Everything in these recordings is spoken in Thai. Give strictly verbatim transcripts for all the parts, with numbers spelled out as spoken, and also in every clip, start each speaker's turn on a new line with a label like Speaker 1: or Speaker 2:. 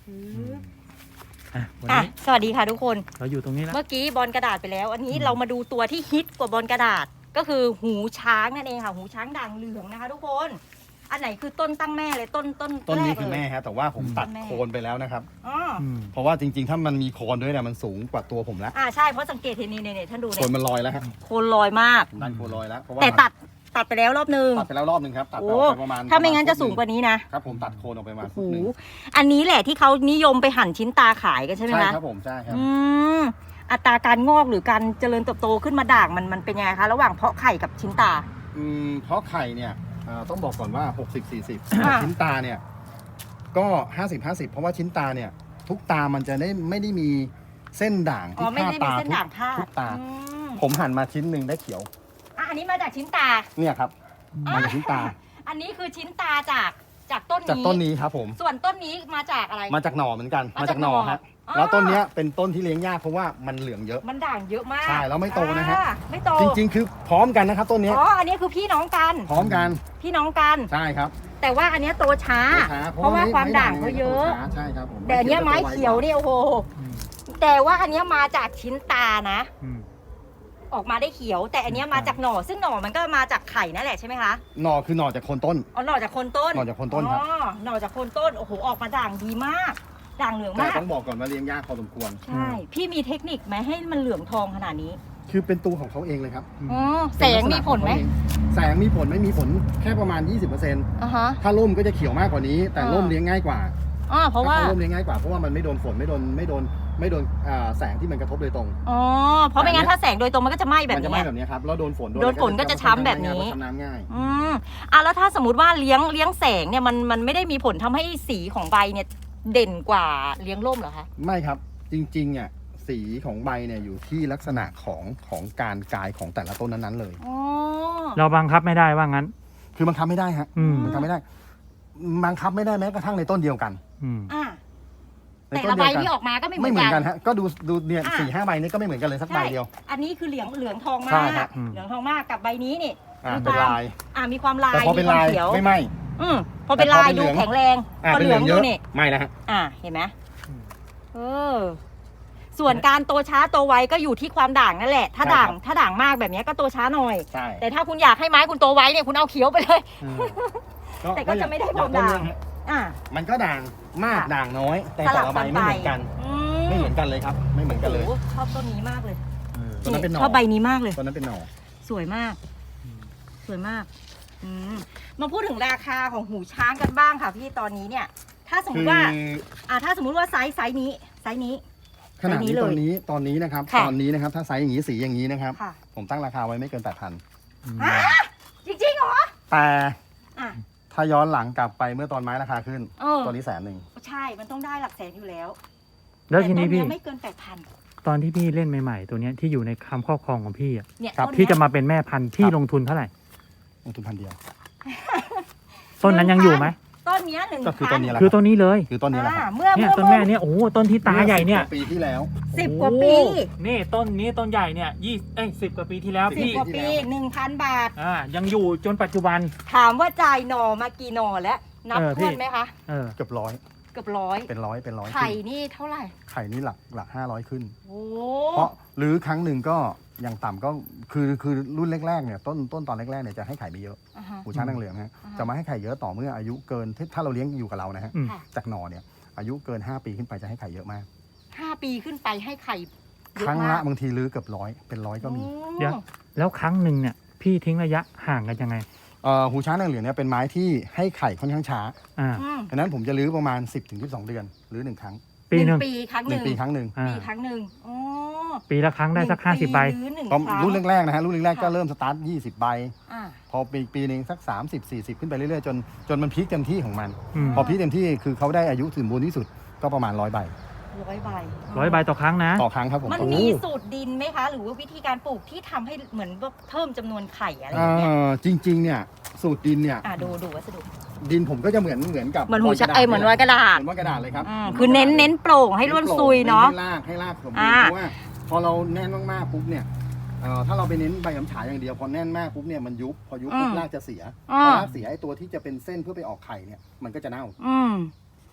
Speaker 1: อ่ะวัน
Speaker 2: อ่ะ
Speaker 1: นี้
Speaker 2: สวัสดีค่ะทุกคน
Speaker 1: เราอยู่ตรงนี้แล้ว
Speaker 2: เมื่อกี้บอลกระดาษไปแล้ว อันนี้
Speaker 1: อืม
Speaker 2: เรามาดูตัวที่ฮิตกว่าบอลกระดาษ ก็คือหูช้างนั่นเองค่ะ หูช้างด่างเหลืองนะคะ ทุกคน อันไหนคือต้นตั้งแม่เลยต้นต้น
Speaker 3: ต้นนี้
Speaker 2: แรก
Speaker 3: คือ
Speaker 2: เลย
Speaker 3: แม่ฮะแต่ว่าผม
Speaker 1: อืม
Speaker 3: ตัด
Speaker 2: ต้นแม่
Speaker 3: โคนไปแล้วนะครับ
Speaker 2: อ๋อ
Speaker 1: อืม
Speaker 3: เพราะว่าจริงๆ ถ้ามันมีโคนด้วยเนี่ยมันสูงกว่าตัวผมแล้ว
Speaker 2: อ่าใช่เพราะสังเกตเห็นนี่เนี่ยท่านดู
Speaker 3: โค
Speaker 2: เนี่ย
Speaker 3: นมันลอยแล้วฮะ
Speaker 2: โคนลอยมาก
Speaker 3: ผมดันโคนลอยแล้วเพราะว่า
Speaker 2: แต่ตัดตัดไปแล้วรอบนึง
Speaker 3: ตัดไปแล้วรอบหนึ่งครับตัดไป
Speaker 2: โอ้
Speaker 3: ออกไปประมาณ
Speaker 2: ถ้าไม่งั้นจะสูงก
Speaker 3: ประ
Speaker 2: ว่านี้นะ
Speaker 3: ครับผมตัดโคนออกไปประมาณ
Speaker 2: โอ้
Speaker 3: ฟุ
Speaker 2: โห
Speaker 3: ตหนึ่ง
Speaker 2: อันนี้แหละที่เขานิยมไปหั่นชิ้นตาขายกันใช่ไหม
Speaker 3: ใช่
Speaker 2: คะ
Speaker 3: ครับผมใช่ครับ
Speaker 2: อืมอัตราการงอกหรือการเจริญเติบโตขึ้นมาด่างมันมันเป็นยังไงคะระหว่างเพาะไข่กับชิ้นตา
Speaker 3: อืมเพราะไข่เนี่ยเอ่อต้องบอกก่อนว่า หกสิบ สี่สิบ
Speaker 2: อ่า
Speaker 3: ชิ้นตาเนี่ยก็ ห้าสิบ ห้าสิบ เพราะว่าชิ้นตาเนี่ยทุกตามันจะได้ไม่ได้มีเส้นด่าง
Speaker 2: อ๋อ
Speaker 3: ที่
Speaker 2: ไม่
Speaker 3: คา
Speaker 2: ได้มี
Speaker 3: ตา
Speaker 2: เส้น
Speaker 3: ทุก
Speaker 2: ด่างพาด
Speaker 3: ทุกตา
Speaker 2: อืม
Speaker 3: ผมหั่นมาชิ้นหนึ่งได้เขียว
Speaker 2: อ่ะอันนี้มาจากชิ้นตา
Speaker 3: เนี่ยครับ
Speaker 2: อ่ะ
Speaker 3: มาจากชิ้นตา
Speaker 2: อันนี้คือชิ้นตาจากจากต้น
Speaker 3: จาก
Speaker 2: นี้
Speaker 3: ต้นนี้ครับผม
Speaker 2: ส่วนต้นนี้มาจากอะไร
Speaker 3: มาจากหน่อเหมือนกัน
Speaker 2: มา
Speaker 3: มา
Speaker 2: จา
Speaker 3: จาก กหน่อ
Speaker 2: หน่อ
Speaker 3: ฮะ
Speaker 2: อ๋อ
Speaker 3: แล้วต้นเนี้ยเป็นต้นที่เลี้ยงยากเพราะว่ามันเหลืองเยอะ
Speaker 2: มันด่างเยอะมาก
Speaker 3: ใช่แล้วไม่โตนะฮะ
Speaker 2: อ่าไม่โต
Speaker 3: จริงๆ คือพร้อมกันนะครับต้นเนี้ย
Speaker 2: อ๋ออันนี้คือพี่น้องกัน
Speaker 3: พร้อมกัน
Speaker 2: พี่น้องกัน
Speaker 3: ใช่ครับ
Speaker 2: แต่ว่าอันเนี้ยโตช้า
Speaker 3: ช้
Speaker 2: เพราะว่าความด่างเขาเยอะ
Speaker 3: ใช่ครับผม
Speaker 2: แต่อันเนี้ยไม้เขียวเนี่ยโอ้โห
Speaker 1: อืม
Speaker 2: แต่ว่าอันเนี้ยมาจากชิ้นตานะ
Speaker 1: อืม
Speaker 2: ออกมาได้เขียว แต่อันเนี้ยมาจากหน่อ ซึ่งหน่อมันก็มาจากไข่นั่นแหละใช่ไหมคะ
Speaker 3: หน่อคือหน่อจากโคนต้น
Speaker 2: อ๋อหน่อจากโคนต้น
Speaker 3: หน่อจากโคนต้นครับ
Speaker 2: อ๋อหน่อจากโคนต้นโอ้โหออกมาด่างดีมาก ด่างเหลือง
Speaker 3: แต่
Speaker 2: มาก
Speaker 3: ต้องบอกก่อนว่าเลี้ยงยากพอสมควร
Speaker 2: ใช่พี่มีเทคนิคไหมให้มันเหลืองทองขนาดนี้
Speaker 3: คือเป็นตัวของเขาเองเลยครับ
Speaker 2: อ๋อแสงมีผลไหม
Speaker 3: แสงมีผลไม่มีผลแค่ประมาณ ยี่สิบเปอร์เซ็นต์
Speaker 2: อ่าฮะ
Speaker 3: ถ้าร่มก็จะเขียวมากกว่านี้ แต่
Speaker 2: อ่า
Speaker 3: ร่มเลี้ยงง่ายกว่า
Speaker 2: อ๋อเพราะว่า
Speaker 3: ถ้ร่มเลี้ยงง่ายกว่าเพราะว่ามันไม่โดนฝนไม่โดนไม่โดนไม่โดนอ่าแสงที่มันกระทบโดยตรง
Speaker 2: อ๋อเพราะไม่งั้นถ้าแสงโดยตรงมันก็จะไหม้แบบ
Speaker 3: มันจะ
Speaker 2: นี้
Speaker 3: ไม่แบบนี้ครับแล้วโดนฝน
Speaker 2: โดนฝนก็จะช้ำแบบนี้
Speaker 3: ช้ำน้ำง่าย
Speaker 2: อืมอ่ะแล้วถ้าสมมติว่าเลี้ยงเลี้ยงแสงเนี่ยมันมันไม่ได้มีผลทำให้สีของใบเนี่ยเด่นกว่าเลี้ยงร่มเหรอคะ
Speaker 3: ไม่ครับจริงๆอ่ะสีของใบเนี่ยอยู่ที่ลักษณะของของการกายของแต่ละต้นนั้นๆเลย
Speaker 2: อ๋อ
Speaker 1: เราบังคับไม่ได้ว่างั้น
Speaker 3: คือบังคับไม่ได้ฮะ
Speaker 1: อืม
Speaker 3: บังคับไม่ได้บังคับไม่ได้แม้กระทั่งในต้นเดียวกัน
Speaker 1: อืม
Speaker 2: อ่ะ
Speaker 3: ใน
Speaker 2: แต่
Speaker 3: ต้
Speaker 2: ละ
Speaker 3: น
Speaker 2: ใบ
Speaker 3: เดียวกัน
Speaker 2: ที่ออกมาก็ไม่เหมื
Speaker 3: ไม่
Speaker 2: อน
Speaker 3: เหมือน
Speaker 2: กั
Speaker 3: กัน นฮะก็ดูดูเนี่ย
Speaker 2: อ่ะ
Speaker 3: สี่ห้าใบนี้ก็ไม่เหมือนกันเลยสักใบเดียว
Speaker 2: อันนี้คือเหลืองเหลืองทองมา
Speaker 3: ใช่
Speaker 2: ก
Speaker 3: ครับ
Speaker 1: อืม
Speaker 2: เหลืองทองมากกับใบนี้นี่
Speaker 3: อ่า
Speaker 2: มี
Speaker 3: เป็น
Speaker 2: ความ
Speaker 3: ลาย
Speaker 2: อ่ามีความลาย
Speaker 3: แต่พอเป็น
Speaker 2: มีควา
Speaker 3: ลาม ย
Speaker 2: เขียว
Speaker 3: ไม่ไหม
Speaker 2: อืมพอเป็น
Speaker 3: แต่พอ
Speaker 2: ลาย
Speaker 3: เป็นเหลื
Speaker 2: ดู
Speaker 3: อง
Speaker 2: แข็งแรง
Speaker 3: อ่า
Speaker 2: พอ
Speaker 3: เป็น
Speaker 2: เห
Speaker 3: เห
Speaker 2: ลื
Speaker 3: ลื
Speaker 2: อ
Speaker 3: อง งเย
Speaker 2: ดู
Speaker 3: อะ
Speaker 2: นี่
Speaker 3: ไม่นะฮะ
Speaker 2: อ่าเห็นไหม
Speaker 1: อืม
Speaker 2: เออ ส่วนการโตช้าโตไวก็อยู่ที่ความด่างนั่นแหละ ถ้าด่างถ้าด่างมากแบบนี้ก็โตช้าหน่อย
Speaker 3: ใช่
Speaker 2: แต่ถ้าคุณอยากให้ไม้คุณโตไวเนี่ยคุณเอาเขียวไปเลย
Speaker 1: อืม
Speaker 2: แต่ก็จะไม่ได้
Speaker 3: อย่
Speaker 2: ความด่าง
Speaker 3: ต้นเนี่ยฮะ
Speaker 2: อ่า
Speaker 3: มันก็ด่างมาก
Speaker 2: ค่ะ
Speaker 3: ด่างน้อย แต่
Speaker 2: ส
Speaker 3: แต่
Speaker 2: ลับ
Speaker 3: ละใบ
Speaker 2: กัน
Speaker 3: ไม่
Speaker 2: ไป
Speaker 3: เหมือนกัน
Speaker 2: อื
Speaker 3: ไม่เหมือนกันเลยครับ ไม่เหมือนกันเลย
Speaker 2: โอ้โหชอบต้นนี้มากเลย
Speaker 1: เออ
Speaker 3: ตัวนั้นเป็นหน่อ
Speaker 2: ชอบใบนี้มากเลย
Speaker 3: ตัวนั้นเป็นหน่อ
Speaker 2: สวยมาก
Speaker 1: อืม
Speaker 2: สวยมากอืมมาพูดถึงราคาของหูช้างกันบ้างค่ะพี่ตอนนี้เนี่ย ถ้าสมม
Speaker 3: คือ
Speaker 2: ติว่าอ่าถ้าสมมุติว่าไซส์ไซส์นี้ไซส์นี้
Speaker 3: ขนาดนี้
Speaker 2: ไซส์นี้เลย
Speaker 3: ตอนนี้ตอนนี้นะครับ
Speaker 2: ค่ะ
Speaker 3: ตอนนี้นะครับถ้าไซส์อย่างนี้สีอย่างนี้นะครับ
Speaker 2: ค่ะ
Speaker 3: ผมตั้งราคาไว้ไม่เกินแปดพัน
Speaker 1: อืม
Speaker 2: อ่ะจริงๆเหรอ
Speaker 3: แต่
Speaker 2: อ่ะ
Speaker 3: ถ้าย้อนหลังกลับไปเมื่อตอนไม้ราคาขึ้น
Speaker 2: เออ
Speaker 3: ตัวนี้แสนหนึ่ง
Speaker 2: ใช่มันต้องได้หลักแสนอยู่แล้ว
Speaker 1: แล้วทีนี้
Speaker 2: ต่ต้
Speaker 1: พี่
Speaker 2: เยไม่เกินแปดพัน
Speaker 1: ตอนที่พี่เล่นใหม่ๆ ตัวเนี้ยที่อยู่ในคำครอบครองของพี่อ่ะ
Speaker 2: เนี่ย
Speaker 3: ครับ
Speaker 2: ต้น
Speaker 1: ที่
Speaker 2: เนี้ย
Speaker 1: จะมาเป็นแม่พันธุ์พี่ลงทุนเท่าไหร่
Speaker 3: ลงทุนพันเดียว
Speaker 1: ต้นนั้นยังอยู่ไหม
Speaker 2: ต้นเนี้ยหนึ่ง
Speaker 3: ก็คือต้นนี้แหละ
Speaker 1: คือต้นนี้เลย
Speaker 3: คือต้นนี้แหละครับ
Speaker 2: อ่าเมื่อ
Speaker 1: เนี่ย
Speaker 2: เมื่อ
Speaker 1: ต้นแม่เนี่ยโอ้โหต้นที่ตาใหญ่เนี่ย
Speaker 3: ปีที่แล้ว
Speaker 2: สิบกว่าปี
Speaker 1: โอ้โหนี่ต้นนี้ต้นใหญ่เนี่ยยี่เอ้ยสิบกว่าปีที่แล้ว
Speaker 2: สิบ
Speaker 1: พี่
Speaker 2: กว่าปีหนึ่งพันบาท
Speaker 1: อ่ายังอยู่จนปัจจุบัน
Speaker 2: ถามว่าจ่ายหน่อมากี่หน่อแล้ว นับ
Speaker 1: เออพี่
Speaker 2: ถ้วนไหมคะ
Speaker 1: เออ
Speaker 3: เกือบร้อย
Speaker 2: เกือบร้อย
Speaker 3: เป็นร้อยเป็นร้อย
Speaker 2: ไข่
Speaker 3: ขึ้น
Speaker 2: นี่เท่าไหร่
Speaker 3: ไข่นี่หลักหลักห้าร้อยขึ้น
Speaker 2: โอ้
Speaker 3: เพราะหรือครั้งหนึ่งก็อย่างต่ำก็คือคือรุ่นแรกๆเนี่ยต้นต้นตอนแรกๆเนี่ยจะให้ไข่ไม่เยอะ
Speaker 2: อ่าฮะ
Speaker 3: หูช้างนางเหลืองฮะ
Speaker 2: อ่าฮะ
Speaker 3: จะมาให้ไข่เยอะต่อเมื่ออายุเกินถ้าถ้าเราเลี้ยงอยู่กับเรานะฮะ
Speaker 1: อืม
Speaker 2: ค่ะ
Speaker 3: จากหน่อเนี่ยอายุเกินห้าปีขึ้นไปจะให้ไข่เยอะมาก
Speaker 2: ห้าปีขึ้นไปให้ไข่เย
Speaker 3: ครั้ง
Speaker 2: มา
Speaker 3: ละ
Speaker 2: ก
Speaker 3: บางทีลื้อเกือบร้อยเป็นร้อยก็มี
Speaker 2: โอ้
Speaker 1: เดี๋ยว แล้วครั้งหนึ่งเนี่ยพี่ทิ้งระยะห่างกันยังไง
Speaker 3: เอ่อหูช้างนางเหลืองเนี่ยเป็นไม้ที่ให้ไข่ค่อนข้างช้า
Speaker 1: อ่า
Speaker 2: อืม
Speaker 3: ดังนั้นผมจะลื้อประมาณ สิบถึงสิบสอง เดือนหรือหนึ่งครั้ง
Speaker 1: ปีหนึ่ง
Speaker 2: ปีครั้ง
Speaker 3: ห
Speaker 2: ห
Speaker 3: นึ่
Speaker 2: นึ่
Speaker 3: ง
Speaker 2: ง
Speaker 3: ปีครั้งหนึ่ง
Speaker 1: อ่า
Speaker 2: ปีครั้งหนึ่งอ๋อ
Speaker 1: ปีละครั้งได้สัก
Speaker 2: นึ่
Speaker 1: ห้าสิบใบ
Speaker 2: หรือหนึ่ง
Speaker 3: ตอน
Speaker 2: ครั้ง
Speaker 3: รุ่นแรกๆนะฮะรุ่นแรกๆก็
Speaker 2: ค่ะ
Speaker 3: เริ่มสตาร์ทยี่สิบใบ
Speaker 2: อ่า
Speaker 3: พอปีปีหนึ่งสัก สามสิบ สี่สิบ ขึ้นไปเรื่อยๆจนจนมันพีคเต็มที่ของมัน
Speaker 1: อืม
Speaker 3: พอพีคเต็มที่คือเขาได้อายุสมบูรณ์ที่สุดก็ประมาณร้อยใบ
Speaker 2: ร้อยใบ
Speaker 1: ร้อยใบต่อครั้งนะ
Speaker 3: ต่อครั้งครับผม
Speaker 2: มัน
Speaker 3: โอ้โห
Speaker 2: มีสูตรดินไหมคะ หรือว่าวิธีการปลูกที่ทำให้เหมือนว่าเพิ่มจำนวนไข่อะไรอ
Speaker 3: เอ่
Speaker 2: ย่างเงี้ย
Speaker 3: อจริงๆเนี่ยสูตรดินเนี่ย
Speaker 2: อ่าดูดูวัสดุ
Speaker 3: ดินผมก็จะเหมือนเหมือนกับ
Speaker 2: เหมือนหู
Speaker 3: ก
Speaker 2: ช้า
Speaker 3: ระดาษ
Speaker 2: ไอยเหมือนรอยกระดาษ
Speaker 3: เหมือนว่ากระดาษเลยครับ
Speaker 2: อืมคือเน้นเน้นโปร่งให้ร่วนซุยเนาะ
Speaker 3: ให้รากให้รากสมบูร
Speaker 2: อ่า
Speaker 3: ณ์เพราะว่าพอเราแน่นมากๆปุ๊บเนี่ยเอ่อถ้าเราไปเน้นใบกำฉายอย่างเดียวพอแน่นมากปุ๊บเนี่ยมันยุบพอยุบปุ๊บรากจะเสีย
Speaker 2: อ่า
Speaker 3: พอรากเสียไอ้ตัวที่จะเป็นเส้นเพื่อไปออกไข่เนี่ยมันก็จะเน่า
Speaker 2: อืมพ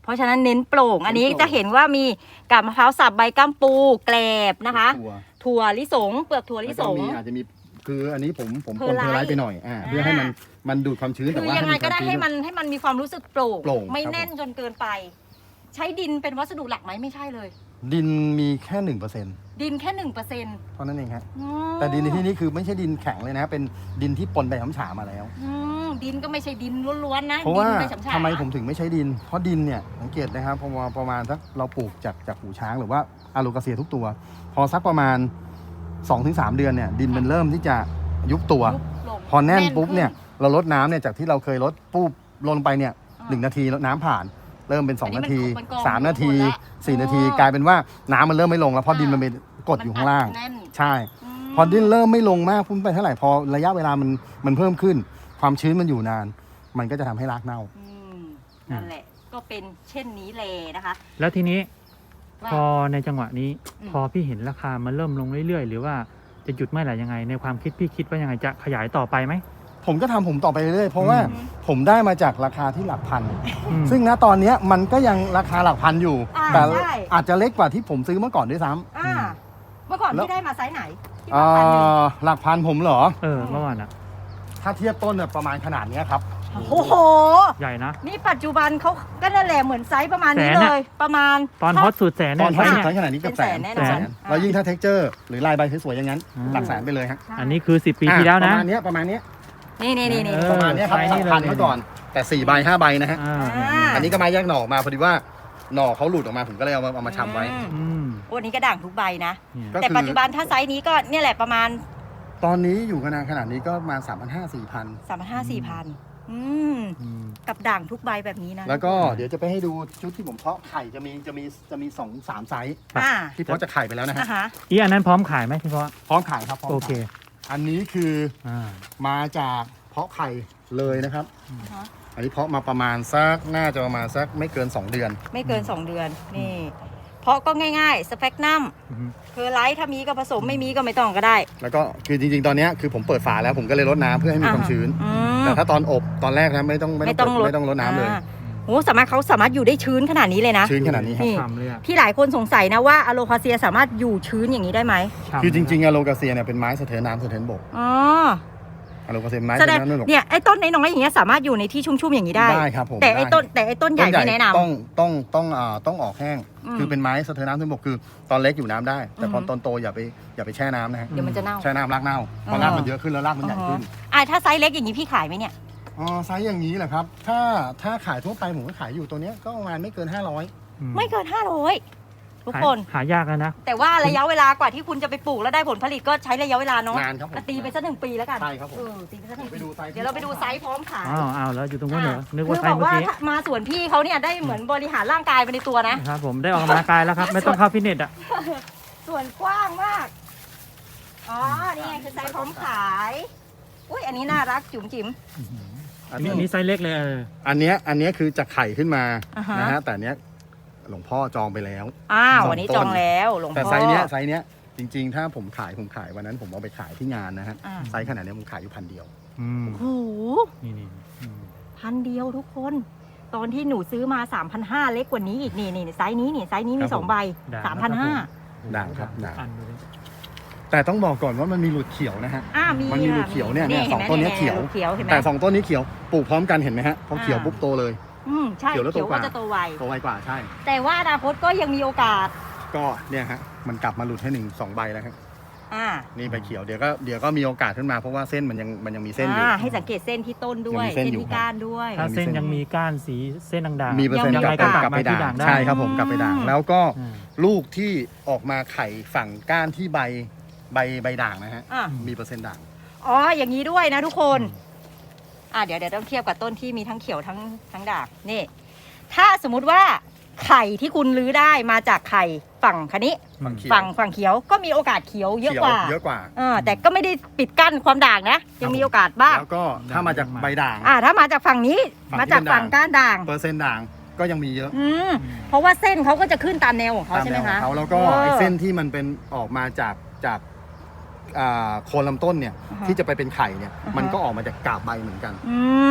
Speaker 2: ราะฉะนั้นเน้นโปร่งอันนี้
Speaker 3: เน้นโปร่ง
Speaker 2: จะเห็นว่ามีกาบมะพร้าวสับใบก้ามปูแกลบนะคะ
Speaker 3: ถั่ว
Speaker 2: ถั่วลิสงเปลือกถั่วลิ
Speaker 3: แล้ว
Speaker 2: ส
Speaker 3: ก็
Speaker 2: ง
Speaker 3: มีอาจจะมีคืออันนี้ผมผม
Speaker 2: เพ
Speaker 3: ป
Speaker 2: อร์
Speaker 3: น
Speaker 2: ไลท์
Speaker 3: เพอร์ไลท์ไปหน่อยอ่าเพื่อให้มันมันดูดความชื้นแต่
Speaker 2: คือ
Speaker 3: ว่า
Speaker 2: ยังไงก็ได้
Speaker 3: ให้
Speaker 2: ให้
Speaker 3: มั
Speaker 2: มันให้มันมีความรู้สึกโปร่ง
Speaker 3: โปร่ง
Speaker 2: ไม่
Speaker 3: ครับ
Speaker 2: แน่นจนเกินไป ใช้ดินเป็นวัสดุหลักไหมไม่ใช่เลย
Speaker 3: ดินมีแค่หนึ่งเปอร์เซ็นต์
Speaker 2: ดินแค่หนึ่งเปอร์เซ็นต์
Speaker 3: เท่านั้นเองครับแต่ดินในที่นี้คือไม่ใช่ดินแข็งเลยนะเป็นดินที่ปนใบฉำฉามาแล้ว
Speaker 2: ดินก็ไม่ใช่ดินล้วนๆนะ
Speaker 3: เพราะว่า
Speaker 2: ดินใบฉำฉา
Speaker 3: ทำไมผมถึงไม่ใช้ดิน เพราะดินเนี่ยสังเกตนะครับพอมาประมาณสักเราปลูกจากจากหูช้างหรือว่าอะโลกาเซียทุกตัว พอสักประมาณ สองถึงสาม เดือนเนี่ยดินมันเริ่มที่จะยุบตัว
Speaker 2: ยุบลง
Speaker 3: พอแน่น
Speaker 2: ขึ้
Speaker 3: ปุ๊บเนี่ยเราลดน้ำเนี่ยจากที่เราเคยลดปุ๊บลงไปเนี่ย
Speaker 2: อ่า
Speaker 3: หนึ่งนาทีแล้วน้ำผ่าน เริ่มเป็นสอง
Speaker 2: อันนี้
Speaker 3: นาที
Speaker 2: มันกอง
Speaker 3: สามนาที
Speaker 2: หมดแล้ว
Speaker 3: สี่นาที
Speaker 2: อ๋อก
Speaker 3: ลายเป็นว่าน้ำมันเริ่มไม่ลงแล้วเพราะ
Speaker 2: อ่า
Speaker 3: ดินมันเป็นกดอยู่ข้างล่าง
Speaker 2: มันอัดแน่น
Speaker 3: ใช่
Speaker 2: ม
Speaker 3: พอดินเริ่มไม่ลงมากพุ่งไปเท่าไหร่พอระยะเวลามันมันเพิ่มขึ้น ความชื้นมันอยู่นาน มันก็จะทำให้รากเน่า
Speaker 2: อืมนั่นแหละก็เป็นเช่นนี้เลยนะคะ
Speaker 1: แล้วทีนี้
Speaker 2: ว่า
Speaker 1: พอในจังหวะนี้
Speaker 2: อืม
Speaker 1: พอพี่เห็นราคามันเริ่มลงเรื่อยๆ หรือว่าจะหยุดเมื่อไหร่ยังไง ในความคิดพี่คิดว่ายังไงจะขยายต่อไปไหม
Speaker 3: ผมก็ทำผมต่อไปเรื่อยๆเพราะว่า
Speaker 1: อืม
Speaker 3: ผมได้มาจากราคาที่หลักพัน
Speaker 1: อืม
Speaker 3: ซึ่งณตอนเนี้ยมันก็ยังราคาหลักพันอยู่
Speaker 2: อ่า
Speaker 3: แต่
Speaker 2: ใช่
Speaker 3: อาจจะเล็กกว่าที่ผมซื้อเมื่อก่อนด้วยซ้ำ
Speaker 2: อ่าเมื่อก่อน
Speaker 3: แล้ว
Speaker 2: พี่ได้มาไซส์ไหนที่
Speaker 3: เอ่
Speaker 2: ว่าพันหนึ่ง
Speaker 3: อหลักพันผมเหรอ
Speaker 1: เออเมื่อวานอ่ะ
Speaker 3: ถ้าเทียบต้นเนี่ยประมาณขนาดเนี้ยครับ
Speaker 2: โอ้โห
Speaker 1: ใหญ่นะ
Speaker 2: นี่ปัจจุบันเขาก็นั่นแหละเหมือนไซส์ประมาณนี้
Speaker 1: แสน
Speaker 2: เล
Speaker 1: อะ
Speaker 2: ย ประมาณ
Speaker 1: ตอนฮอตสุดแสน
Speaker 3: ต
Speaker 1: เนี่
Speaker 3: อย นท้าย
Speaker 1: เนี่ย
Speaker 3: ไซส์ขนาดนี้เกับแสน
Speaker 2: เป็นแสนแน่นอน
Speaker 3: แสน
Speaker 2: อ่า
Speaker 3: แล้วยิ่งถ้าเท็กเจอร์หรือลายใบสวยๆอย่างนั้น
Speaker 1: อืม
Speaker 3: หลักแสนไปเลยฮะ
Speaker 1: อันนี้คือสิบปีที่แล้ว
Speaker 3: ป
Speaker 1: นะ
Speaker 3: ระมาณเนี้ยประมาณเนี้ย
Speaker 2: นี่นี่นี่นี่
Speaker 1: เออ
Speaker 3: ประมาณเนี้ยครับ
Speaker 1: ไซส์นี่
Speaker 3: หลักพัน
Speaker 1: เลย
Speaker 3: เมื่อก่อน แต่สี่ใบห้าใบนะฮะ
Speaker 1: อ่า
Speaker 2: อ่า
Speaker 3: อันนี้ก็มาแยกหน่อออกมาพอดีว่าหน่อเขาหลุดออกมาผมก็เลยเอามาเอามาชำไว้
Speaker 2: อืม
Speaker 1: อืม
Speaker 2: โอ้อันนี้ก็ด่างทุกใบนะ
Speaker 1: เนี่ย
Speaker 3: ก็
Speaker 2: แต่
Speaker 3: คือ
Speaker 2: ปัจจุบันถ้าไซส์นี้ก็เนี่ยแหละประมาณ
Speaker 3: ตอนนี้อยู่ขนาดขนาดนี้ก็มาสามพันห้าสี่พัน
Speaker 2: สามพันห้าสี่พันอืม
Speaker 1: อืม
Speaker 2: กับด่างทุกใบแบบนี้นะ
Speaker 3: แล้วก็เดี๋ยวจะไปให้ดูชุดที่ผมเพาะไข่จะมีจะมีจะมีสองสามไซส์
Speaker 2: อ่า
Speaker 3: ที่เพาะจะไข่ไปแล้วนะฮะ
Speaker 2: อ่าฮะ
Speaker 1: อีอันนั้นพร้อมขายไหมพี่พ่อ
Speaker 3: พร้อมขายครับพร้อม
Speaker 1: โอ
Speaker 3: ขาย
Speaker 1: เค
Speaker 3: อันนี้คือ
Speaker 1: อ่า
Speaker 3: มาจากเพาะไข่เลยนะครับ
Speaker 2: อ่าฮะ
Speaker 3: อันนี้เพาะมาประมาณสักน่าจะประมาณสักไม่เกิน สอง เดือน
Speaker 2: ไม่เกิน สอง เดือน นี่ เพราะก็ง่ายๆ สเปกนัม
Speaker 1: อืม
Speaker 2: คือไลท์ถ้ามีก็ผสมไม่มีก็ไม่ต้องก็ได้
Speaker 3: แล้วก็คือจริงๆ ตอนเนี้ยคือผมเปิดฝาแล้วผมก็เลยลดน้ำเพื่อให้มีความชื้น
Speaker 2: อืม
Speaker 3: แต่ถ้าตอนอบตอนแรกนะไม่ต้อง
Speaker 2: ไม่ต้อง
Speaker 3: เปิดไม่ต้องลดน้ำเลย
Speaker 2: อ่าโอ้สามารถเขาสามารถอยู่ได้ชื้นขนาดนี้เลยนะ
Speaker 3: ชื้นขนาดนี้ครับ
Speaker 2: นี่
Speaker 1: ฉ่ำเลยอ่ะ
Speaker 2: ที่หลายคนสงสัยนะว่าอะโลคาเซียสามารถอยู่ชื้นอย่างนี้ได้ไหม
Speaker 1: ฉ่ำ
Speaker 3: คือจริงๆอะโลกาเซียเนี่ยเป็นไม้สะเทินน้ำสะเทินบก
Speaker 2: อ๋อ
Speaker 3: อะโลกาเซียเป็นไม้
Speaker 2: แส
Speaker 3: สะ
Speaker 2: ด
Speaker 3: เทิ
Speaker 2: ง
Speaker 3: นน้ำสะเทินบก
Speaker 2: เนี่ยไอ้ต้นน้อยๆอย่างเงี้ยสามารถอยู่ในที่ชุ่มๆอย่างนี้ได้
Speaker 3: ได้ครับผม
Speaker 2: แต่ไอ้
Speaker 3: ด้
Speaker 2: ต้นแต่ไอ้ต้นใหญ่ไม่แนะนำ
Speaker 3: ต้องต้องต้องอ่าต้องออกแห้ง
Speaker 2: อืม
Speaker 3: คือเป็นไม้สะเทินน้ำสะเทินบกคือตอนเล็กอยู่น้ำได้ แต่พอ
Speaker 2: อืม
Speaker 3: ตอนโตอย่าไปอย่าไปแช่น้ำนะฮะ
Speaker 2: เดี๋ยวมันจะเน่า
Speaker 3: แช่น้ำรากเน่าพอ
Speaker 2: เออ
Speaker 3: รากมันเยอะขึ้นแล้วรากมันใหญ่ขึ้น
Speaker 2: อ่าถ้าไซส์เล็กอย่างนี้พี่ขายไหมเนี่ย
Speaker 3: อ๋อไซส์อย่างนี้แหละครับ ถ้าถ้าขายทั่วไปผมก็ขายอยู่ตัวเนี้ยก็ประมาณไม่เกิน ห้าร้อย
Speaker 1: อื
Speaker 2: ไม่เกินห้าร้อยทุกคน
Speaker 1: หายากแล้วนะ
Speaker 2: แต่ว่าระยะเวลากว่าที่คุณจะไปปลูกแล้วได้ผลผลิตก็ใช้ระยะเวลาเนาะ
Speaker 3: นานครับผม
Speaker 2: ก็ตีไปสักหนึ่งปีแล้วกัน
Speaker 3: ใช่ครับผม
Speaker 2: เออตีไปสักหนึ่ง
Speaker 3: ไป
Speaker 2: ปี
Speaker 3: ดูไซส์
Speaker 2: เดี๋ยวเราไปดูไซส์พร้อมขาย
Speaker 1: อ้าวอ้าวแล้วอยู่ตรงนู้นเหรอนึก
Speaker 2: คื
Speaker 1: ว่า
Speaker 2: อ
Speaker 1: ใคร
Speaker 2: บอก
Speaker 1: เมื่อ
Speaker 2: ว่า
Speaker 1: กี้
Speaker 2: ถ้ามาสวนพี่เขาเนี่ยได้เหมือนบริหารร่างกายไปในตัวนะ
Speaker 1: ครับผมได้ออกกำลังกายแล้วครับ ไม่ต้องเข้าฟิตเนสอ่ะ
Speaker 2: ส่วนกว้างมาก อ๋อ นี่ไงคือไซส์พร้อมขาย อุ้ยอันนี้น่ารักจุ๋มจิ๋ม
Speaker 3: อั
Speaker 1: อั
Speaker 3: น
Speaker 1: นนี้
Speaker 3: นี้
Speaker 1: อันนี้ไซส์เล็กเลยเออ
Speaker 3: อันเนี้ยอันเนี้ยคือจะไข่ขึ้นมา
Speaker 2: อ่าฮะ
Speaker 3: นะฮะแต่อันเนี้ยหลวงพ่อจองไปแล้ว
Speaker 2: อ้าว
Speaker 3: สอง
Speaker 2: วันนี้
Speaker 3: ต้น
Speaker 2: จองแล้วหลวง
Speaker 3: แต่
Speaker 2: พ่อ
Speaker 3: ไซส์เนี้ยไซส์เนี้ยจริงๆ ถ้าผมขายผมขายวันนั้นผมเอาไปขายที่งานนะฮะ
Speaker 2: อ่า
Speaker 3: ไซส์ขนาดเนี้ยผมขายอยู่พันเดียว
Speaker 1: อืม
Speaker 2: โอ้โห
Speaker 1: นี่นี่อืม
Speaker 2: พันเดียวทุกคน ตอนที่หนูซื้อมา สามพันห้าร้อย เล็กกว่านี้อีกนี่นี่ไซส์นี้นี่ไซส์นี้มีสองใบ
Speaker 1: ด่าง
Speaker 2: สามพันห้า
Speaker 3: ด่างครับด่าง
Speaker 1: อันดูดิ
Speaker 3: แต่ต้องบอกก่อนว่ามันมีหลุดเขียวนะฮะ
Speaker 2: อ่ามี
Speaker 3: มันมี
Speaker 2: ค่ะ
Speaker 3: ลูกเขียวเนี่ยเนี่ย
Speaker 2: ห็
Speaker 3: สอง
Speaker 2: ไหม
Speaker 3: ต้นเนี้ยเขียว
Speaker 2: เขียวเห็นไหม
Speaker 3: แต่สองต้นนี้เขียวปลูกพร้อมกันเห็นไหมฮะพอเขียว
Speaker 2: อ่า
Speaker 3: ปุ๊บโตเลย
Speaker 2: อืมใช่
Speaker 3: เขียวแล้วโต
Speaker 2: เขียว
Speaker 3: กว่า
Speaker 2: ก็จะโตไว
Speaker 3: โตไวกว่าใช่
Speaker 2: แต่ว่าอนาคตก็ยังมีโอกาส
Speaker 3: ก็เนี่ยฮะมันกลับมาหลุดให้หนึ่งสองใบแล้วครับ
Speaker 2: อ่า
Speaker 3: นี่ใบเขียวเดี๋ยวก็เดี๋ยวก็มีโอกาสขึ้นมาเพราะว่าเส้นมันยังมันยังมีเส้นอยู่
Speaker 2: อ่าให้สังเกตเส้นที่ต้นด้วย
Speaker 3: ยังมีเส้นอยู่
Speaker 2: ที่ก้านด้วย
Speaker 1: ถ้า
Speaker 3: มี
Speaker 1: เส้น
Speaker 3: เส้น
Speaker 1: ยังมีก้านสีเส้นด่างๆ
Speaker 3: มีเปอร์เซ็นต์
Speaker 2: ยัง
Speaker 3: ก
Speaker 2: มี
Speaker 3: ลับ
Speaker 2: โอกาส
Speaker 3: กลับไปด่าง
Speaker 1: กลับมาที่ด่างได้
Speaker 3: ใช่ครับผมกลับไปด่าง
Speaker 2: อืม
Speaker 3: แล้วก็
Speaker 1: อืม
Speaker 3: ลูกที่ออกมาไข่ฝั่งก้านที่ใบใบใบด่างนะฮะ
Speaker 2: อ่า
Speaker 3: มีเปอร์เซ็นต์ด่าง
Speaker 2: อ๋ออย่างนี้ด้วยนะทุกคน อ่าเดี๋ยวเดี๋ยวต้องเทียบกับต้นที่มีทั้งเขียวทั้งทั้งด่างนี่ ถ้าสมมุติว่าไข่ที่คุณรื้อได้มาจากไข่ฝั่งคันนี้
Speaker 3: ฝั่งเขียว
Speaker 2: ฝั่งฝั่งเขียวก็มีโอกาสเขียวเยอะกว่า
Speaker 3: เยอะกว่า
Speaker 2: เออแต่ก็ไม่ได้ปิดกั้นความด่างนะ ยังมีโอกาสบ้าง
Speaker 3: แล้วก็ถ้ามาจากใบด่าง
Speaker 2: อ่าถ้ามาจากฝั่งนี้
Speaker 3: ฝั่งที่
Speaker 2: มาจากฝั่ง
Speaker 3: เป็นด่าง
Speaker 2: ก้านด่าง
Speaker 3: เปอร์เซ็นต์ด่างก็ยังมีเยอะ
Speaker 2: อืมเพราะว่าเส้นเขาก็จะขึ้นตามแนวของเขา
Speaker 3: ตาม
Speaker 2: ใช่
Speaker 3: แน
Speaker 2: ไหม
Speaker 3: วขอ
Speaker 2: คะ
Speaker 3: งเขาแล้วก็
Speaker 2: ออ
Speaker 3: ไอ้เส้นที่มันเป็นออกมาจากจากอ่าโคนลำต้นเนี่ย
Speaker 2: อ่าฮะ
Speaker 3: ที่จะไปเป็นไข่เนี่ย
Speaker 2: อ่าฮะ
Speaker 3: มันก็ออกมาจากกาบใบเหมือนกัน
Speaker 2: อืม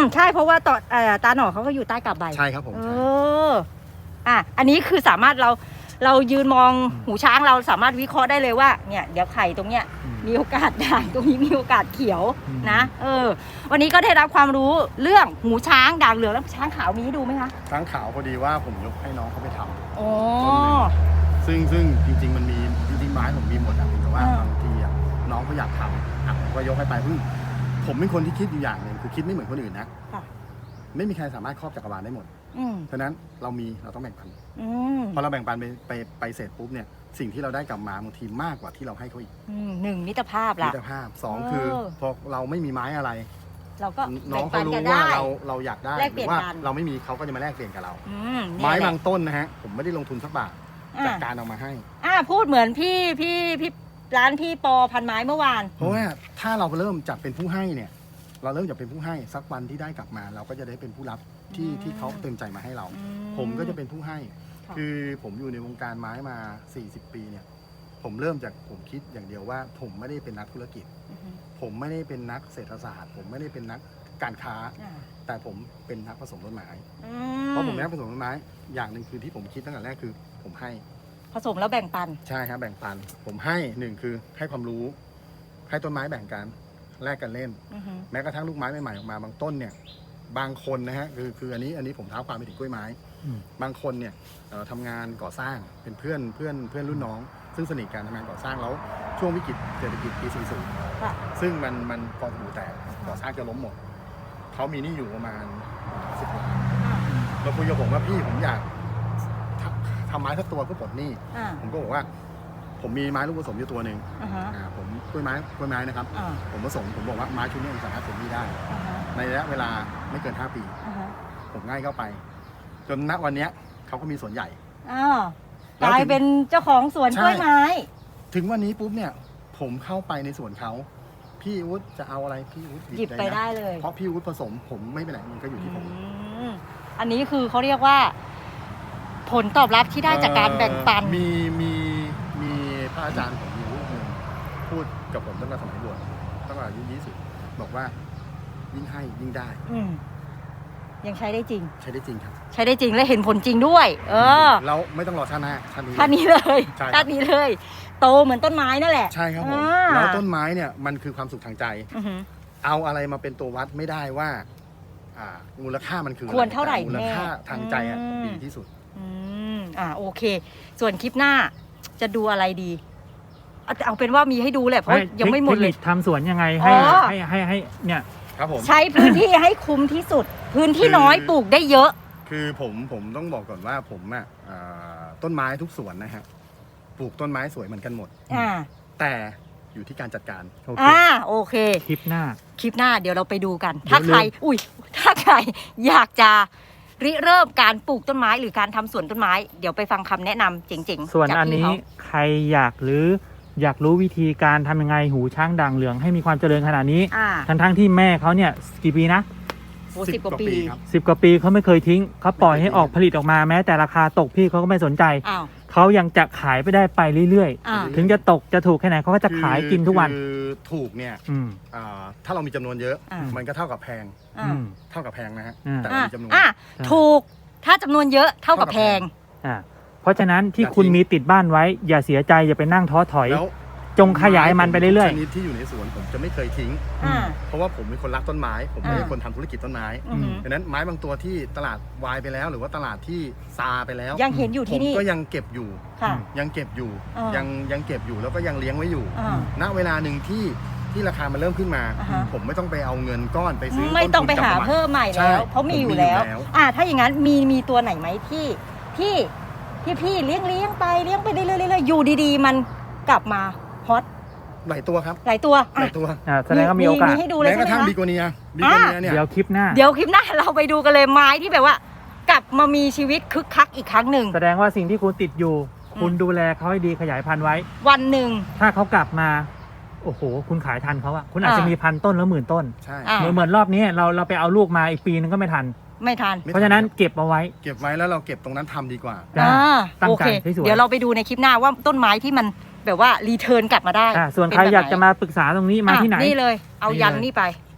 Speaker 2: ใช่เพราะว่าตอนเอ่อตาหน่อเขาก็อยู่ใต้กาบใบ
Speaker 3: ใช่ครับผม
Speaker 2: เอ
Speaker 3: ใช่
Speaker 2: ออ่ะอันนี้คือสามารถเราเรายืนมองหูช้างเราสามารถวิเคราะห์ได้เลยว่าเนี่ยเดี๋ยวไข่ตรงเนี้ย
Speaker 1: อืม
Speaker 2: มีโอกาสด่างตรงนี้มีโอกาสเขียว
Speaker 1: อืม
Speaker 2: นะเออวันนี้ก็ได้รับความรู้เรื่องหูช้างด่างเหลืองแล้วช้างขาวมีให้ดูไหมคะ
Speaker 3: ช้างขาวพอดีว่าผมยกให้น้องเขาไปทำ
Speaker 2: โอ้
Speaker 3: ซึ่งซึ่งจริง ๆ มันมีจริงๆไม้ผมมีหมดอะแต่ว่า
Speaker 2: อ่า
Speaker 3: บางทีอะน้องเขาอยากทำอ่ะผมก็ยกให้ไปซึ่งผมเป็นคนที่คิดอยู่อย่างหนึ่งคือคิดไม่เหมือนคนอื่นนะ
Speaker 2: ค่ะ
Speaker 3: ไม่มีใครสามารถครอบจักรวาลได้หมด
Speaker 2: อืม
Speaker 3: ฉะนั้นเรามีเราต้องแบ่งปัน
Speaker 2: อืม
Speaker 3: พอเราแบ่งปันไปไปไปเสร็จปุ๊บเนี่ยสิ่งที่เราได้กลับมาบางทีมากกว่าที่เราให้เขาอีก
Speaker 2: อืมหนึ่งมิตรภาพ
Speaker 3: มิ
Speaker 2: ละ
Speaker 3: ตรภาพสอง
Speaker 2: เออ
Speaker 3: คือพอเราไม่มีไม้อะไร
Speaker 2: เราก็
Speaker 3: น้อง
Speaker 2: แบ่
Speaker 3: เขา
Speaker 2: งปัน
Speaker 3: รู้
Speaker 2: กัน
Speaker 3: ว่า
Speaker 2: ได้
Speaker 3: เราเราอยากได้
Speaker 2: แลก
Speaker 3: ห
Speaker 2: เปลี่
Speaker 3: รื
Speaker 2: ยน
Speaker 3: ว่า
Speaker 2: กัน
Speaker 3: เราไม่มีเขาก็จะมาแลกเปลี่ยนกับเรา
Speaker 2: อืมเนี่ย
Speaker 3: ไม้
Speaker 2: แหละ
Speaker 3: บางต้นนะฮะผมไม่ได้ลงทุนสักบาท
Speaker 2: อ่า
Speaker 3: จากการเอามาให้
Speaker 2: อ่าพูดเหมือนพี่พี่พี่ร้านพี่ปอพันไม้เมื่อวาน
Speaker 3: เพราะว่าถ้าเราเริ่มจากเป็นผู้ให้เนี่ย เราเริ่มจากเป็นผู้ให้สักวันที่ได้กลับมา เราก็จะได้เป็นผู้รับที่
Speaker 2: อืม
Speaker 3: ที่เขาเต็มใจมาให้เรา
Speaker 2: อื
Speaker 3: ผมก็จะเป็นผู้ให้
Speaker 2: ค่ะ
Speaker 3: คือผมอยู่ในวงการไม้มา สี่สิบ ปีเนี่ย ผมเริ่มจากผมคิดอย่างเดียวว่า ผมไม่ได้เป็นนักธุรกิจ
Speaker 2: อือฮึ
Speaker 3: ผมไม่ได้เป็นนักเศรษฐศาสตร์ ผมไม่ได้เป็นนักการค้า
Speaker 2: อ่า
Speaker 3: แต่ผมเป็นนักผสมต้นไม้
Speaker 2: อื
Speaker 3: เพราะผมเป็นนักผสมต้นไม้ อย่างหนึ่งคือที่ผมคิดตั้งแต่แรกคือผมให้
Speaker 2: ผสมแล้วแบ่งปัน
Speaker 3: ใช่ครับแบ่งปัน ผมให้หนึ่งคือให้ความรู้ ให้ต้นไม้แบ่งกันแลกกันเล่น
Speaker 2: อือฮึ
Speaker 3: แม้กระทั่งลูกไม้ใหม่ๆออกมาบางต้นเนี่ยบางคนนะฮะคือคืออันนี้อันนี้ผมเท้าความไปถึงกล้วยไม้
Speaker 1: อืม
Speaker 3: บางคนเนี่ยเอ่อทำงานก่อสร้างเป็นเพื่อนเพื่อนเพื่อนรุ่นน้อง ซึ่งสนิทกันทำงานก่อสร้างแล้วช่วงวิกฤตเศรษฐกิจปีสี่สิบ
Speaker 2: ค่ะ
Speaker 3: ซึ่งมันมันกองหูแตกก่อสร้างจะล้มหมดเขามีหนี่อยู่ประมาณสิบล้าน
Speaker 2: อ่า
Speaker 3: เราคุยกับผมว่าพี่ผมอยากทำทำไม้สักตัวเพื่อปลดหนี้
Speaker 2: อ่า
Speaker 3: ผมก็บอกว่า ผมมีไม้ลูกผสมอยู่ตัวหนึ่ง
Speaker 2: อ่าฮะ
Speaker 3: อ่าผมกล้วยไม้กล้วยไม้นะครับ
Speaker 2: อ่า
Speaker 3: ผมผสมผมบอกว่าไม้ชุดนี้ผมสามารถปลดหนี้ได้
Speaker 2: อ่าฮะ
Speaker 3: ในระยะเวลาไม่เกินห้าปี
Speaker 2: อ่าฮะ
Speaker 3: ผมง่ายเข้าไป จนณวันเนี้ยเขาก็มีสวนใหญ่
Speaker 2: อ้าวกลายเป็นเจ้าของสวน
Speaker 3: ใช่
Speaker 2: กล้วยไม้
Speaker 3: ถึงวันนี้ปุ๊บเนี่ย ผมเข้าไปในสวนเขาพี่วุฒิจะเอาอะไรพี่วุฒิ
Speaker 2: หยิบไป
Speaker 3: นะ
Speaker 2: ได้เลย
Speaker 3: เพราะพี่วุฒิผสมผมไม่ไปไหนมันก็อยู่ที่ผม
Speaker 2: อืมอันนี้คือเขาเรียกว่า ผลตอบรับที่ได้จากการแบ่งปัน
Speaker 3: เอ่อมีมีมีพระอาจารย์ผมอยู่รูปหนึ่งพูดกับผมตั้งแต่สมัยบวชตั้งแต่อายุยี่สิบบอกว่ายิ่งให้ยิ่งได้
Speaker 2: อืมยังใช้ได้จริง
Speaker 3: ใช้ได้จริงครับ
Speaker 2: ใช้ได้จริงและเห็นผลจริงด้วย เออ
Speaker 3: เราไม่ต้องรอชาติหน้าชาตินี้
Speaker 2: ท่านนี้เลย
Speaker 3: ใช่ครับ
Speaker 2: ท่านนี้เลย โตเหมือนต้นไม้นั่นแหละ
Speaker 3: ใช่ครับผม
Speaker 2: อ่า
Speaker 3: แล้วต้นไม้เนี่ยมันคือความสุขทางใจ
Speaker 2: อือหือ
Speaker 3: เอาอะไรมาเป็นตัววัดไม่ได้ว่า อ่า มูลค่ามันคืออะ
Speaker 2: ควรเท่าไหร่
Speaker 3: แต่มูลค่า
Speaker 2: แน่
Speaker 3: ทางใจอ่ะ
Speaker 2: อืม
Speaker 3: ดีที่สุด
Speaker 2: อืมอ่าโอเค ส่วนคลิปหน้าจะดูอะไรดีเอาเอาเป็นว่ามีให้ดูแหละเพราะยังไม่หมดเลย
Speaker 1: ทคนิคทำสวนยังไงให้
Speaker 2: อ๋อ
Speaker 1: ให้ให้ให้เนี่ย
Speaker 3: ครับผม
Speaker 2: ใช้พื้นที่ให้คุ้มที่สุด พื้นที่น้อย
Speaker 3: คือ
Speaker 2: ปลูกได้เยอะ
Speaker 3: คือผมผมต้องบอกก่อนว่าผมอ่ะอ่าต้นไม้ทุกสวนนะฮะปลูกต้นไม้สวยเหมือนกันหมด
Speaker 2: อ่า
Speaker 3: แต่อยู่ที่การจัดการ
Speaker 1: โอเค
Speaker 2: อ่าโอเค
Speaker 1: คลิปหน้า
Speaker 2: คลิปหน้าเดี๋ยวเราไปดูกัน
Speaker 1: เดี๋ยว
Speaker 2: ถ้าใคร
Speaker 1: ลืม
Speaker 2: อุ้ยถ้าใครอยากจะริเริ่มการปลูกต้นไม้หรือการทำสวนต้นไม้ เดี๋ยวไปฟังคำแนะนำเจ๋งๆ
Speaker 1: ส่วน
Speaker 2: จาก
Speaker 1: อัน
Speaker 2: พี่
Speaker 1: นี้
Speaker 2: เขา
Speaker 1: ใครอยากหรืออยากรู้วิธีการทำยังไงหูช้างด่างเหลืองให้มีความเจริญขนาดนี้
Speaker 2: อ่า
Speaker 1: ทั้งทั้งๆที่แม่เขาเนี่ยกี่ปีนะ
Speaker 2: โอ้สิบกว่าปี
Speaker 3: ครับ
Speaker 1: สิบกว่าปีเขาไม่เคยทิ้งเขาปล่อยให้ออกผลิตออกมาแม้แต่ราคาตกพี่เขาก็ไม่สนใจ
Speaker 2: อ้าว
Speaker 1: เขายังจะขายไปได้ไปเรื่อย
Speaker 2: อ่า
Speaker 1: ๆ ถึงจะตกจะถูกแค่ไหนเขาก็จะขายกินทุกวัน
Speaker 3: คือถูกเนี่ย
Speaker 1: อืม
Speaker 3: อ่าถ้าเรามีจำนวนเยอะ
Speaker 2: อ่า
Speaker 3: มันก็เท่ากับแพง
Speaker 2: อ่า
Speaker 1: อืม
Speaker 3: เท่ากับแพงนะฮะ
Speaker 1: อ่า
Speaker 3: แต่เรา
Speaker 2: อ่า
Speaker 3: มีจำนวน
Speaker 2: อ่าถูกถ้าจำนวนเยอะเท่ากับแพง
Speaker 1: อ่าเพราะฉะนั้นที่
Speaker 3: อย่า
Speaker 1: คุณ
Speaker 3: ทิ้ง
Speaker 1: มีติดบ้านไว้ อย่าเสียใจอย่าไปนั่งท้อถอย
Speaker 3: แล้ว
Speaker 1: จงขยายมันไปเรื่อย
Speaker 3: ชนิดที่อยู่ในสวนผมจะไม่เคยทิ้ง
Speaker 2: อ่า
Speaker 3: เพราะว่าผมเป็นคนรักต้นไม้ ผมไม่ใช่
Speaker 2: อ่า
Speaker 3: คนทำธุรกิจต้นไม้
Speaker 2: อือหือ
Speaker 3: ดังนั้นไม้บางตัวที่ตลาดวายไปแล้ว หรือว่าตลาดที่ซาไปแล้ว
Speaker 2: ยังเห็นอยู่
Speaker 3: ผ
Speaker 2: ที่
Speaker 3: ม
Speaker 2: นี่
Speaker 3: ก็ยังเก็บอยู่
Speaker 2: ค่ะ
Speaker 3: ยังเก็บอยู่
Speaker 2: อ่ายั
Speaker 3: ยังยังเก็บอยู่แล้วก็ยังเลี้ยงไว้อยู่
Speaker 2: อ่า
Speaker 3: ณเวลาหนึ่งที่ที่ราคามันเริ่มขึ้นมา
Speaker 2: อ่าฮะ
Speaker 3: ผมไม่ต้องไปเอาเงินก้อนไปซื้อ
Speaker 2: ไม่ต้องไป
Speaker 3: ต้นทุน
Speaker 2: หาก
Speaker 3: ลับ
Speaker 2: เพิ่มใหม่
Speaker 3: ใช่
Speaker 2: แล้ว เพราะมีอยู่แล้ว
Speaker 3: ผมมีอยู่แล้ว
Speaker 2: อ่า ถ้าอย่างนั้นมีมีตัวไหนไหมที่ที่ที่พี่เลี้ยงเลี้ยงไปเลี้ยงไปเรื่อยๆเรื่อยๆอยู่ดีๆ มันกลับมาฮอต
Speaker 3: หลายตัวครับ
Speaker 2: หลายตัว
Speaker 3: ห
Speaker 2: อ่ะ
Speaker 3: ลายตัว
Speaker 1: ๆอ่าแสดงว่ามีโอกาส
Speaker 2: มีให้ดูเลย
Speaker 3: แม้ก
Speaker 2: ใช่
Speaker 3: ระ
Speaker 2: ไหม
Speaker 3: ทั่ง
Speaker 2: คะ
Speaker 3: บิโกเนียบิโกเนียเนี่ย
Speaker 1: เดี๋ยวคลิปหน้า
Speaker 2: เดี๋ยวคลิปหน้าเราไปดูกันเลยไม้ที่แบบว่า กลับมามีชีวิตคึกคักอีกครั้งหนึ่ง
Speaker 1: แสดงว่าสิ่งที่คุณติดอยู่
Speaker 2: อืม
Speaker 1: คุณดูแลเขาให้ดีขยายพันธุ์ไว้
Speaker 2: วันหนึ่ง
Speaker 1: ถ้าเขากลับมา โอ้โห คุณขายทันเขาอะคุณอาจจะ
Speaker 2: อ่ามี
Speaker 1: มีพันต้นแล้วหมื่นต้น
Speaker 3: ใช่
Speaker 2: อ่า
Speaker 1: เหมือนเหมือนรอบนี้เราเราไปเอาลูกมาอีกปีนึงก็ไม่ทัน
Speaker 2: ไม่ทัน
Speaker 3: ไม่
Speaker 1: เพราะฉะนั้นเก็บเอาไว้
Speaker 3: เก็บไว้แล้วเราเก็บตรงนั้นทำดีกว่า
Speaker 1: จ้ะ
Speaker 2: อ่า
Speaker 1: ตั้ง
Speaker 2: โอ
Speaker 1: ใจ
Speaker 2: เค
Speaker 1: ให้สวย
Speaker 2: เดี๋ยวเราไปดูในคลิปหน้าว่าต้นไม้ที่มันแบบว่ารีเทิร์นกลับมาได้
Speaker 1: อ่าส่วน
Speaker 2: เป็
Speaker 1: ใคร
Speaker 2: แบบ
Speaker 1: อยากจะมาปรึกษาตรงนี้มาที่ไหน
Speaker 2: อ่ะนี่เลย เอายัน
Speaker 1: นี่เลย
Speaker 2: นี่ไป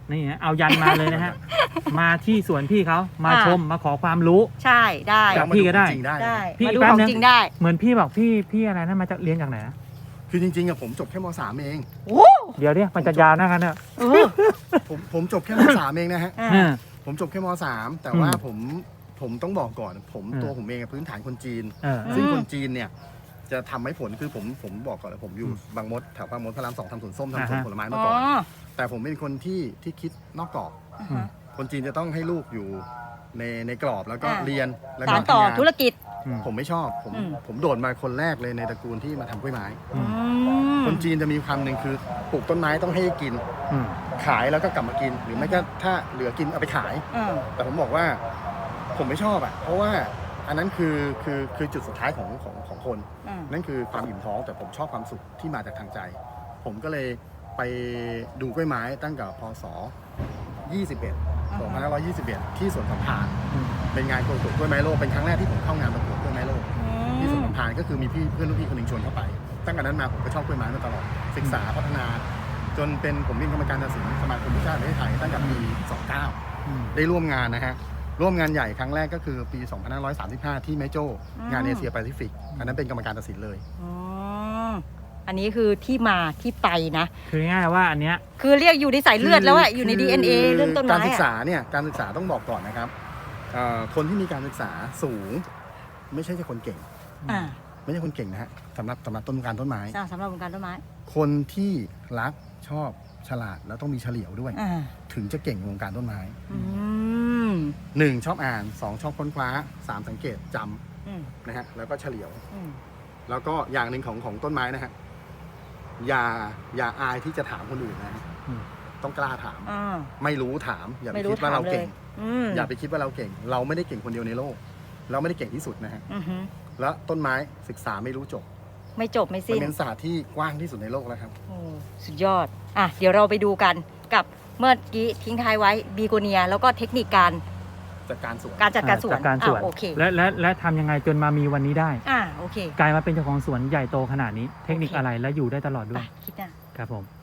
Speaker 1: นี่ฮะเอายันมาเลยนะฮะ มาที่สวนพี่เขามา
Speaker 2: อ่า
Speaker 1: ชมมาขอความรู้
Speaker 2: ใช่ได้
Speaker 1: ครั บพี่ก็ได้
Speaker 3: จริงๆได้
Speaker 2: ได้
Speaker 3: นะ
Speaker 1: พี่
Speaker 2: มาดู
Speaker 1: แป๊บ
Speaker 2: ของ
Speaker 1: นึง
Speaker 2: จริงได้
Speaker 1: เหมือนพี่บอกพี่พี่อะไรนะมาจากเรียนจากไหนนะ
Speaker 3: คือจริงๆอะผมจบแค่มสามเอง
Speaker 2: โอ้
Speaker 1: เดี๋ยวเดี๋ยวมันจะยาวนะครับเนี่ย
Speaker 2: เออ
Speaker 3: ผมผมจบแค่มสามเองนะฮะ
Speaker 2: อ่า
Speaker 1: อืม
Speaker 3: ผมจบแค่มสามแต่
Speaker 1: อืม
Speaker 3: ว่าผมผมต้องบอกก่อน ผม
Speaker 1: อืม
Speaker 3: ตัวผมเองอะพื้นฐานคนจีน
Speaker 1: เออ
Speaker 3: ซึ่ง
Speaker 2: อืม
Speaker 3: คนจีนเนี่ยจะทำให้ผลคือผมผมบอกก่อนเลยผมอยู่
Speaker 1: อืม
Speaker 3: บางมดแถวบางมดพระรามสองทำสวนส้ม
Speaker 1: อ่า
Speaker 3: ทำสวน
Speaker 1: ฮะ
Speaker 3: ผลไม้
Speaker 2: อ๋
Speaker 3: มา
Speaker 2: อ
Speaker 3: ก่อน แต่ผมเป็นคนที่ที่คิดนอกกรอบ
Speaker 2: อ่าฮะ
Speaker 3: คนจีนจะต้องให้ลูกอยู่ในในกรอบแล้วก็
Speaker 2: อ่า
Speaker 3: เรียนแล้ว
Speaker 2: สา
Speaker 3: ก็
Speaker 2: รต่อ
Speaker 3: ทำงาน
Speaker 2: ธุรกิจ
Speaker 1: อืม
Speaker 3: ผมไม่ชอบผม
Speaker 2: อืม
Speaker 3: ผมโดดมาคนแรกเลยในตระกูลที่มาทำกล้วยไม้
Speaker 1: อืม
Speaker 2: อืม
Speaker 3: คนจีนจะมีความหนึ่งคือปลูกต้นไม้ต้องให้กิน
Speaker 1: อืม
Speaker 3: ขายแล้วก็กลับมากิน หรือไม่ก็ถ้าเหลือกินเอาไปขาย
Speaker 2: อ่า
Speaker 3: แต่ผมบอกว่าผมไม่ชอบอ่ะเพราะว่าอันนั้นคือคือคือจุดสุดท้ายของของของคน
Speaker 2: อ่า
Speaker 3: นั่นคือความอิ่มท้องแต่ผมชอบความสุขที่มาจากทางใจ ผมก็เลยไปดูกล้วยไม้ตั้งแต่พศยี่สิบเอ็ด สองพันห้าร้อยยี่สิบเอ็ด ที่สวนสัมพันธ์
Speaker 1: อืม
Speaker 3: เป็นงานประกวดกล้วยไม้โลกเป็นครั้งแรกที่ผมเข้างานประกวดกล้วยไม้โลก
Speaker 2: อืม
Speaker 3: ที่สวนสัมพันธ์ก็คือมีพี่เพื่อนรุ่นพี่คนหนึ่งชวนเข้าไป ตั้งแต่นั้นมาผมก็ชอบกล้วยไม้มาตลอดศึกษาพัฒนา จนเป็นผมเป็นกรรมการตัดสินสมาคมผู้ชาติประเทศไทยตั้งแต่ปีสองเก้า
Speaker 1: อืม
Speaker 3: ได้ร่วมงานนะฮะ ร่วมงานใหญ่ครั้งแรกก็คือปี สองพันห้าร้อยสามสิบห้า ที่แม่โจ้ งานเอเชียแปซิฟิก อันนั้นเป็นกรรมการตัดสินเลย
Speaker 2: อ๋ออันนี้คือที่มาที่ไปนะ
Speaker 1: คือง่ายๆว่าอันเนี้ย
Speaker 2: คือเรียกอยู่ในสายเลือดแล้วอะอยู่ใน
Speaker 3: คื
Speaker 2: ดี เอ็น เอ เรื่องต้น
Speaker 3: การ
Speaker 2: ไม้
Speaker 3: ศึก
Speaker 2: อะ
Speaker 3: ษาเนี่ย การศึกษาต้องบอกก่อนนะครับเอ่อคนที่มีการศึกษาสูง ไม่ใช่แค่คนเก่ง
Speaker 2: อ่า
Speaker 3: ไม่ใช่คนเก่งนะฮะสำหรับสำหรับต้นการต้นไม้
Speaker 2: สร้างสำหรับวงการต้นไม้
Speaker 3: คนที่รักชอบฉลาดแล้วต้องมีเฉลียวด้วย
Speaker 2: อ่า
Speaker 3: ถึงจะเก่งในวงการต้นไม้
Speaker 2: อืม
Speaker 3: หนึ่งชอบอ่านสองชอบค้นคว้าสามสังเกตจ
Speaker 2: อืม
Speaker 3: ำนะฮะแล้วก็เฉลียว
Speaker 2: อืม
Speaker 3: แล้วก็อย่างหนึ่งของของต้นไม้นะฮะอย่าอย่าอายที่จะถามคนอื่นนะฮะ
Speaker 1: อืม
Speaker 3: ต้องกล้าถาม
Speaker 2: อ่า
Speaker 3: ไม่รู้ถาม อย่าไป
Speaker 2: ไม่รู้
Speaker 3: คิดว่า
Speaker 2: ถาม
Speaker 3: เรา
Speaker 2: เล
Speaker 3: เก่
Speaker 2: ย
Speaker 3: ง
Speaker 2: อืม
Speaker 3: อย่าไปคิดว่าเราเก่ง เราไม่ได้เก่งคนเดียวในโลก เราไม่ได้เก่งที่สุดนะฮะ
Speaker 2: อือฮึ
Speaker 3: แล้วต้นไม้ศึกษาไม่รู้จบ
Speaker 2: ไม่จบไม่
Speaker 3: มัน
Speaker 2: สิ้น
Speaker 3: เป็นศาสตร์ที่กว้างที่สุดในโลกแล้วครับ
Speaker 2: โอ้สุดยอด อ่ะ เดี๋ยวเราไปดูกันกับเมื่อกี้ทิ้งท้ายไว้บีโกเนีย แล้วก็เทคนิคการ
Speaker 3: จากการสวน
Speaker 2: การจัดการสวน
Speaker 1: จัดการสวน
Speaker 2: อ่ะโอเค
Speaker 1: และและและทำยังไงจนมามีวันนี้ได้
Speaker 2: อ่าโอเค
Speaker 1: กลายมาเป็นเจ้าของสวนใหญ่โตขนาดนี้ เทคนิค
Speaker 2: โอเค
Speaker 1: อะไรและอยู่ได้ตลอดด้
Speaker 2: ไป
Speaker 1: วย
Speaker 2: คิดหน้า
Speaker 1: ครับผม